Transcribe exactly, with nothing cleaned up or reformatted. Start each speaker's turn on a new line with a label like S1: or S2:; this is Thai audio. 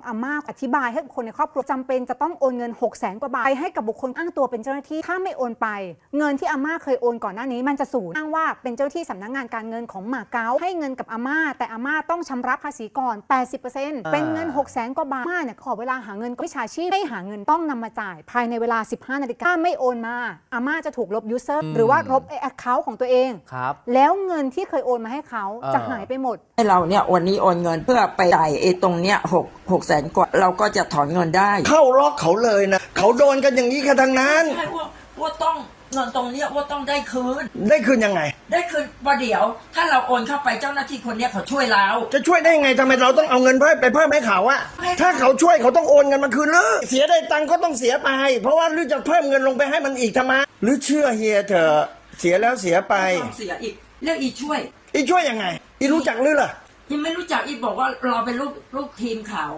S1: อาม่าอธิบายให้คนในครอบครัวจำเป็นจะต้องโอนเงินหกแสนกว่าบาทไปให้กับบุคคลอ้างตัวเป็นเจ้าหน้าที่ถ้าไม่โอนไปเงินที่อาม่าเคยโอนก่อนหน้านี้มันจะสูญอ้างว่าเป็นเจ้าที่สำนักงานการเงินของมาเก๊าให้เงินกับอาม่าแต่อาม่าต้องชำระภาษีก่อน แปดสิบเปอร์เซ็นต์ เป็นเงินหกแสนกว่าบาทอาม่าเนี่ยขอเวลาหาเงินวิชาชีพให้หาเงินต้องนำมาจ่ายภายในเวลาสิบห้านาฬิกาถ้าไม่โอนมาอาม่าจะถูกลบยูเซอร์หรือว่าลบไอ้ account ของตัวเองแล้วเงินที่เคยโอนมาให้เขาจะหายไปหมด
S2: ให้เราเนี่ยวันนี้โอนเงินเพื่อไปจ่ายไอ้ตรงเนี้ยหกหกแสนกว่าเราก็จะถอนเงินได้
S3: เข้าล็อกเขาเลยนะเขาโดนกันอย่างนี้กันทั้งนั้น
S2: ใช่ว่าว่าต้องเงินตรงเนี้ยว่าต้องได้คืน
S3: ได้คืนยังไง
S2: ได้คืนประเดี๋ยวถ้าเราโอนเข้าไปเจ้าหน้าที่คนเนี้ยเขาช่วยเรา
S3: จะช่วยได้ยังไงทำไมเราต้องเอาเงินเพิ่มไปเพิ่มให้เขาอะถ้าเขาช่วยเขาต้องโอนเงินมาคืนเลยเสียได้ตังค์ก็ต้องเสียไปเพราะว่าหรือจะเพิ่มเงินลงไปให้มันอีกทำไมหรือเชื่อเฮียเถอะเสียแล้วเสียไป
S2: เสียอีกเรียกอีช่วย
S3: อีช่วยยังไงอีรู้จักหรือล่ะ
S2: ยังไม่รู้จักอีบอกว่าเราเป็นลูกลูกทีมเขา